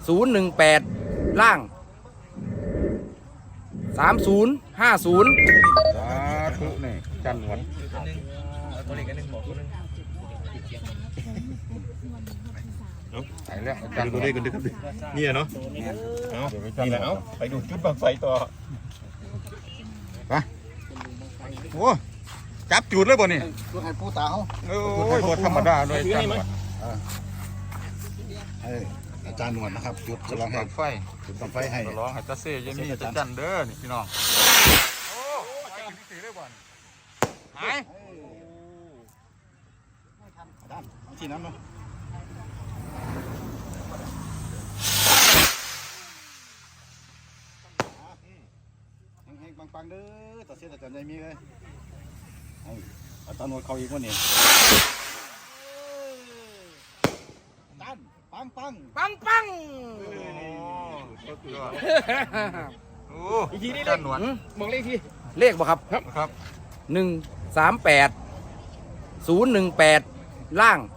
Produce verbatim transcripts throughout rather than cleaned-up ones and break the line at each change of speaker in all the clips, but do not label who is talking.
ศูนย์หนึ่งแปดล่างสามศูนย์ห้าศูนย์
สาธุนี่จันหนวด
ตัวเล็กอันนึงบอกตัวนึง
ไปแล้วจันตัวเลขกันด้วยครับนี่เนาะเอานี่แหละเอาไปดูจุดบังไฟต่อไปโอ้จับจุดเลยบ่นี่
ตัวให้ผู้ตาเขา
โอ้ยบ่ธรรมดาด้วยจันหนวด
อาจารย์หนวดนะครับจุดจะลองให้
ไฟ
จุดบังไฟให้
ร้องให้ตาเซ่ยังมีจะจันเด้อนี่พี่น้องโอ้ไปกินสีเลยบ่นหาย
ด้านที่น้ำเนาะแห้งๆปังๆเด้อต่อเสียแต่จันใจมีเลยอาจารย์หนวดเขาอีกวันนี้ด้านปังปัง
ปังปัง
โอ้อีกทีนี่จันหนวด
มองเลขทีเลขบ่ครับ
ครับครับ
หนึ่งสามแปดศูนย์หนึ่งแปดล่าง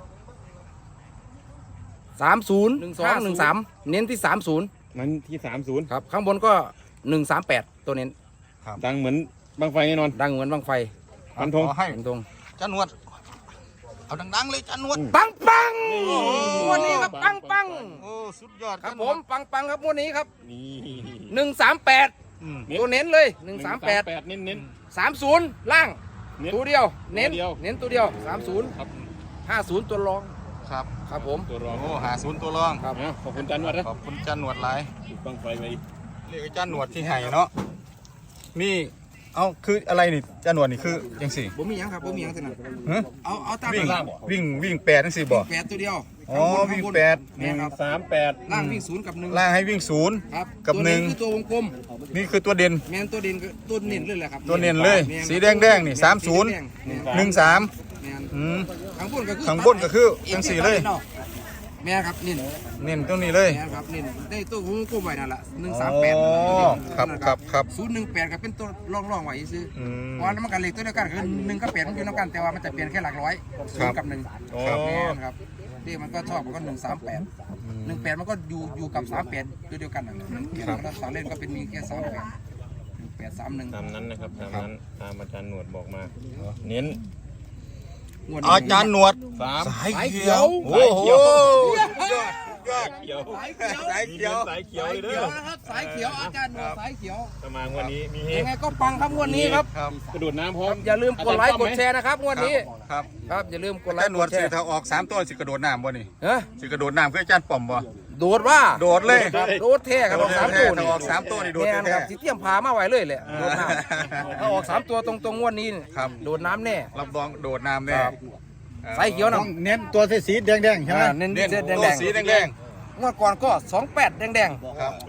สามศูนย์หนึ่งสองหนึ่งสามเน้นที่สามศูนย์
มันที่สามศูนย์
ครับข้างบนก็หนึ่งสามแปดตัวเน้น
ดังเหมือนบังไฟแน่นอน
ดังเหมือนบังไฟ
ฟันธง
ให้
ฟันธง
จันหนวดเอาดังๆเลยจันหนวด
ปังปังวันนี้ครับปังปัง
โอ้สุดยอด
ครับผมปังปังครับวันนี้ครับ
นี่
หนึ่งสามแปดตัวเน้นเลยหนึ่งสามแปด
เน้นเน้น
สามศูนย์ล่างตัวเดียวเน้นเน้นตัวเดียวสามศูนย์ห้าศูนย์ตัวรอง
ครับ
ครับผม
ตัวรอง
โอ้หาศูนย์ตัวรอง
ครับ
ขอบคุณจันหนวดนะ
ขอบคุณจันหนวดหลาย
บังไฟไป
เรียกจันหนวดที่ไห่เนาะนี่เอาคืออะไรนี่จันหนวดนี่คือยังสี่
ผมมียังครับผมมียังสินะเอาเอาตาม
วิ่งวิ่งวิ่งแปดทั้งสี่บ่
แปดตัวเดียว
อ๋อวิ่งแปด
หนึ่งสามแปด
ล่างวิ่งศูนย์กับหนึ่ง
ล่างให้วิ่งศูนย์กับหนึ่ง
คือตัววงกลม
นี่คือตัวเด่น
แมนตัวเด่นตัวเน้นเลยแหละครับ
ตัวเน้นเลยสีแดงแดงนี่สามศูนย์หนึ่งสาม
ข้างบนก็คือ
ข้างบนก็คือยังสี่เลย
แม่ครับนี่
เน้นตรงนี้เลย
แม่ครับนี่ได้ตัววงกลมไว้นั่นแหละหนึ่งสามแปด
ครับครับครับ
ศูนย์หนึ่งแปดก็เป็นตัวร่องร่องไว้ซื้อเพราะน้ำมันกันเหล็กตัวเดียวกันคือหนึ่งก็เปลี่ยนมันอยู่น้ำกันแต่ว่ามันจะเปลี่ยนแค่หลักร้อยศูนย์กับหนึ่งแม่ครับที่มันก็ชอบมันก็หนึ่งสามแปดหนึ่งแปดมันก็อยู่อยู่กับสามแปดตัวเดียวกันนั่นแหละแล้วสองเล่นก็เป็นมีแค่สามแปดแปดสามหนึ่ง
ตามนั้นนะครับตามนั้นตามอาจารย์หนวดบอกมาเน้น
อาจารย์หนวด
สายเขียว
โอ้โหยอดยอด
เขียว
สายเขียว
สายเขียวสายเขียวเลยเด้อ
นะครับสายเขียวอาจารย์หนวดสายเขียว
ประมาณวันนี้มี
ยังไงก็ปังครับวันนี้ครับ
กระโดดน้ำพร้อม
อย่าลืมกดไลค์กดแชร์นะครับวันนี้
ครับ
ครับอย่าลืมกดไลค์
หนวดสิถ้าออกสามตัวสิกระโดดน้ำบ่นี่
เฮ้ย
สิกระโดดน้ำคืออาจารย์ป่อมบ่
โดดว่า
โดดเลย
โดดแท้ครับออกสามตัว
ถ้าออกสามตัวนี่โดดแท้
ครับสิเตรียมพามาไว้เลยแหละโดดน้ำถ้าออกสามตัวตรงๆงวดนี้โดดน้ำแน่
รับรองโดดน้ำแน่
สายเขียวนะ
เน้นตัวสีแดงๆใช่ไหม
เน้นแดง
สีแดง
งวดก่อนก็สองแปดแดง
ๆครับ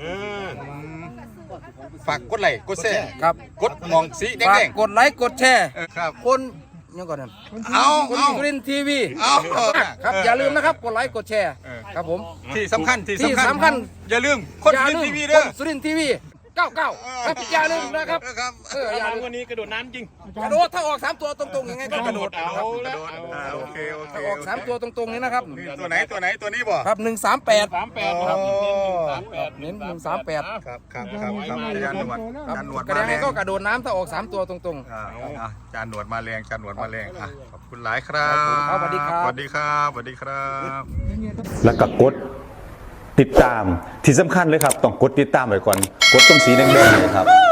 ฝากกดไลค์กดแชร์
ครับ
กดมองสีแดง
ๆกดไลค์กดแชร์
ครับ
คนยังก่อนนั่น
เอา
คนสุรินทร์ทีวี
เอา
ครับอย่าลืมนะครับกดไลค์กดแชร์ครับผม
ที่สำคัญที่
สำคัญ
อย่าลืมคนสุรินทร์ทีวีเด้อ
สุรินทร์ทีวีเก้าเก้าครับอย่าลืมนะครับ
เอออย่าลืมวันนี้กระโดดน้ำจริง
กระโดดถ้าออกสามตัวตรงๆยังไงก็กระโดด
เอาแล้ว
โอเคโอเค
ออกสามตัวตรงๆนี้นะครับ
ตัวไหนตัวไหนตัวนี้บ่
ครับหนึ่งสามแปด
สามแปดครับ
เน้นหนึ่งสามแปด
ครับครับครับครับจานหนวดจานหนวด
กระแดงก็กระโดดน้ำถ้าออกสามตัวตรง
ๆจานหนวดมาแรงจานหนวดมาแรงขอบคุณหลายครับ
สวัสดีครับ
สวัสดีครับสวัสดีครับ
แล้วก็กดติดตามที่สำคัญเลยครับต้องกดติดตามไว้ก่อนกดตรงสีแดงๆเลยครับ